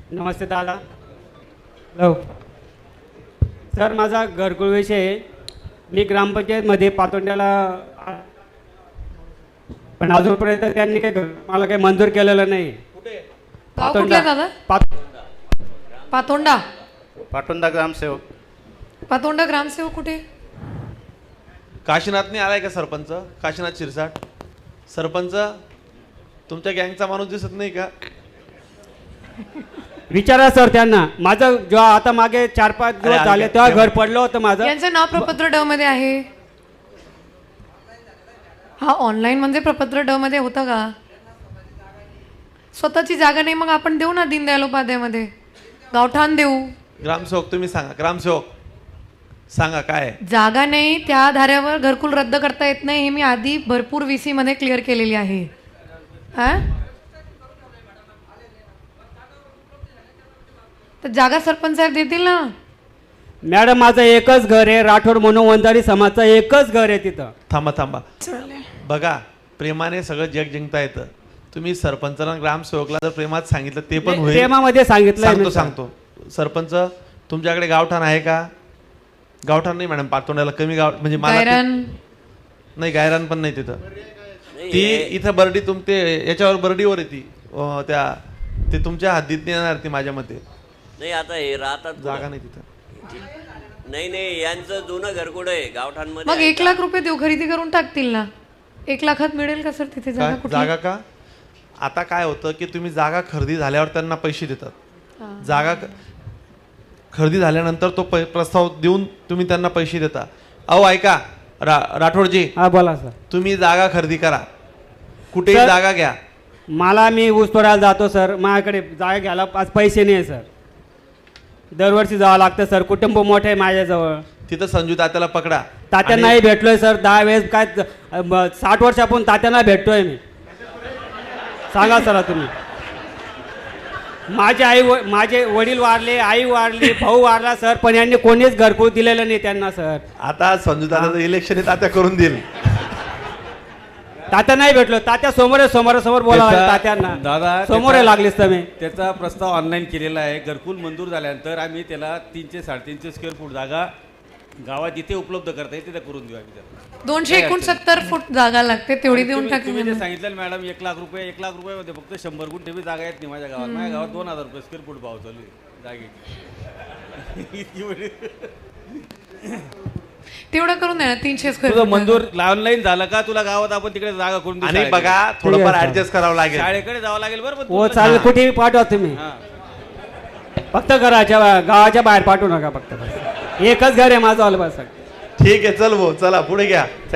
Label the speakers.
Speaker 1: नमस्ते दादा. Hello sir, माझा घरकुल विषय आहे. मी ग्रामपंचायतमध्ये पातोंड्याला, पण अजूनपर्यंत त्यांनी मला काही मंजूर केलेलं नाही.
Speaker 2: गाव कुठलं दादा? पातोंडा.
Speaker 3: पाटोंदा ग्रामसेवक.
Speaker 2: पातोंडा ग्रामसेवक कुठे?
Speaker 4: काशीनाथने आलाय का सरपंच? काशीनाथ शिरसाट सरपंच, तुमच्या गँगचा माणूस दिसत नाही का?
Speaker 1: विचारा सर त्यांना. माझं जेव्हा आता मागे 4-5 दिवस झाले तेव्हा घर पडलं होतं माझं.
Speaker 2: यांचं नाव प्रपत्र ड मध्ये आहे. हा ऑनलाईन म्हणजे प्रपत्र ड मध्ये होतं का? स्वतःची जागा नाही, मग आपण देऊ ना दीनदयाल उपाध्यायमध्ये गावठाण देऊ.
Speaker 4: ग्रामसेवक तुम्ही सांगा, ग्रामसेवक सांगा काय आहे?
Speaker 2: जागा नाही, त्या आधारावर घरकुल रद्द करता येत नाही. हे मी आधी भरपूर VC मध्ये क्लिअर केलेली आहे. हा, तर जागा सरपंच साहेब देतील ना.
Speaker 1: मॅडम, माझं एकच घर आहे. राठोड मनोवंजारी समाजचं एकच घर आहे तिथं.
Speaker 4: थांबा थांबा, बघा, प्रेमाने सगळं जग जिंकता येतं. तुम्ही सरपंचाला ग्रामसेवकला जर प्रेमात सांगितलं ते पण होईल.
Speaker 1: प्रेमामध्ये सांगितलं.
Speaker 4: सांगतो सरपंच, तुमच्याकडे गावठाण आहे का? गावठाण नाही मॅडम, पातोंड्याला कमी गाव म्हणजे नाही, गायरान पण नाही तिथं. ती इथं बर्डी तुमते याच्यावर बर्डीवर आहे ती. ते तुमच्या हद्दीत नाही येणार ती माझ्या मते.
Speaker 5: नाही, आता हे राहतात
Speaker 4: जागा नाही तिथं.
Speaker 5: नाही, यांचं जुनं घरकुल आहे गावठाणमध्ये.
Speaker 2: मग 1 लाख रुपये देऊ, खरेदी करून टाकतील ना. 1 लाखात मिळेल का सर तिथे जागा?
Speaker 4: जागा का? आता काय होतं की तुम्ही जागा खरेदी झाल्यावर त्यांना पैसे देतात. जागा खरेदी झाल्यानंतर तो प्रस्ताव देऊन तुम्ही त्यांना पैसे देता. अहो ऐका राठोडजी,
Speaker 1: हा बोला सर.
Speaker 4: तुम्ही जागा खरेदी करा, कुठेही जागा घ्या.
Speaker 1: मी ऊस तोडायला जातो सर. माझ्याकडे जागा घ्यायला आज पैसे नाही सर. दरवर्षी जावं लागतं सर. कुटुंब मोठं आहे माझ्याजवळ.
Speaker 4: तिथं संजू तात्याला पकडा.
Speaker 1: तात्यांनाही भेटलोय सर 10 वेळेस. काय 60 वर्षापासून तात्यांना भेटतोय मी. सांगा सर तुम्ही. माझे वडील वारले, आई वारली, भाऊ वारला सर, पण यांनी कोणीच घरकुल दिलेलं नाही त्यांना सर.
Speaker 4: आता संजू तात्याचं इलेक्शन तात्या करून देईल.
Speaker 1: तात्या नाही भेटलो. तात्या समोर बोलावं तात्यांना.
Speaker 6: दादा
Speaker 1: समोर लागलीस तुम्ही.
Speaker 6: त्याचा प्रस्ताव ऑनलाईन केलेला आहे. घरकुल मंजूर झाल्यानंतर आम्ही त्याला 300-350 स्क्वेअर फूट जागा गावात जिथे उपलब्ध करता येईल तिथे करून देऊ आम्ही त्याला.
Speaker 2: 269 फूट जागा लागते, तेवढी देऊन
Speaker 6: तुम्ही
Speaker 2: टाकली.
Speaker 6: जे सांगितलं मॅडम 1 लाख रुपयामध्ये फक्त 100 गुंठे बी जागा येत नाही माझ्या गावात. माझ्या गावात 2000 रुपये स्क्वेअर फूट भाव चालू आहे जागेची.
Speaker 2: तेवढं करून द्या ना. 300 स्क्वेअर
Speaker 6: तुझं मंजूर ऑनलाईन झालं का? तुला गावात आपण तिकडे जागा करून देऊ.
Speaker 4: आणि बघा, थोडंफार ऍडजस्ट करावं लागेल.
Speaker 6: शाळेकडे जावं लागेल बरं.
Speaker 1: हो चालेल, कुठेही पाठवा तुम्ही. फक्त गावाच्या बाहेर पाठवू नका. फक्त एकच घर आहे माझं. ऑल बस.
Speaker 4: ठीक आहे, चल भाऊ, चला पुढे घ्या.